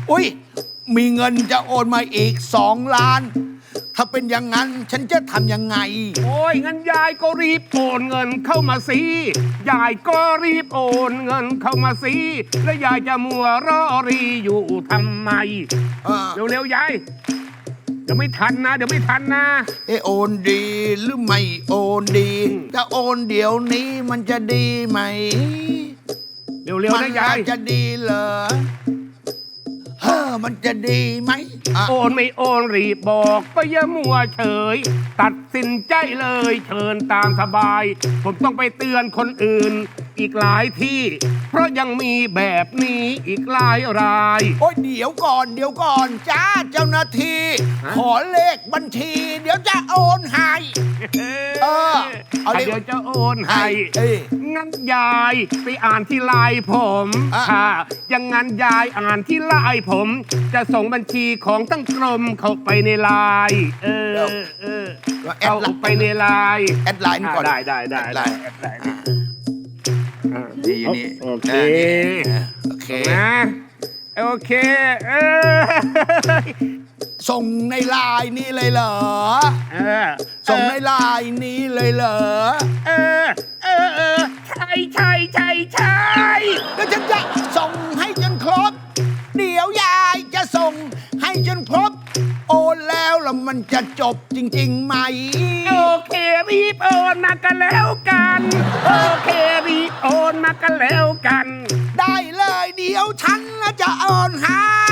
อุ้ยมีเงินจะโอนมาอีก2 ล้านถ้าเป็นอย่างนั้นฉันจะทำยังไงโอ้ยงั้นยายก็รีบโอนเงินเข้ามาสิยายก็รีบโอนเงินเข้ามาสิแล้วยายจะมัวรอรีอยู่ทำไมเร็วๆยายเดี๋ยวไม่ทันนะโอนดีหรือไม่โอนดีถ้าโอนเดี๋ยวนี้มันจะดีไหมเร็วๆนะยายมันจะดีเหรอมันจะดีไหมโอนไม่โอนรีบบอกก็อย่ามัวเฉยตัดสินใจเลยเชิญตามสบายผมต้องไปเตือนคนอื่นอีกหลายที่เพราะยังมีแบบนี้อีกหลายรายโอ้ยเดี๋ยวก่อนจ้าเจ้าหน้าที่ขอเลขบัญชีเดี๋ยวจะโอนให้เดี๋ยวจะโอนให้งั้นยายไปอ่านที่ไลน์ผมค่ะอย่างงั้นยายอ่านที่ไลน์ผมจะส่งบัญชีของทั้งกรมเข้าไปในไลน์เอาไปในไลน์แอดไลน์ก่อนได้แอดไลน์ดีนี่โอเคนะโอเคส่งในไลน์นี้เลยเหรอส่งในไลน์นี้เลยเหรอใช่แล้วฉันจะส่งให้จนครบเดี๋ยวยายจะส่งให้จนครบโอนแล้วมันจะจบจริงๆไหมโอเครีบโอนมากันแล้วกันโอเครีบโอนมากันแล้วกันได้เลยเดี๋ยวฉันจะโอนให้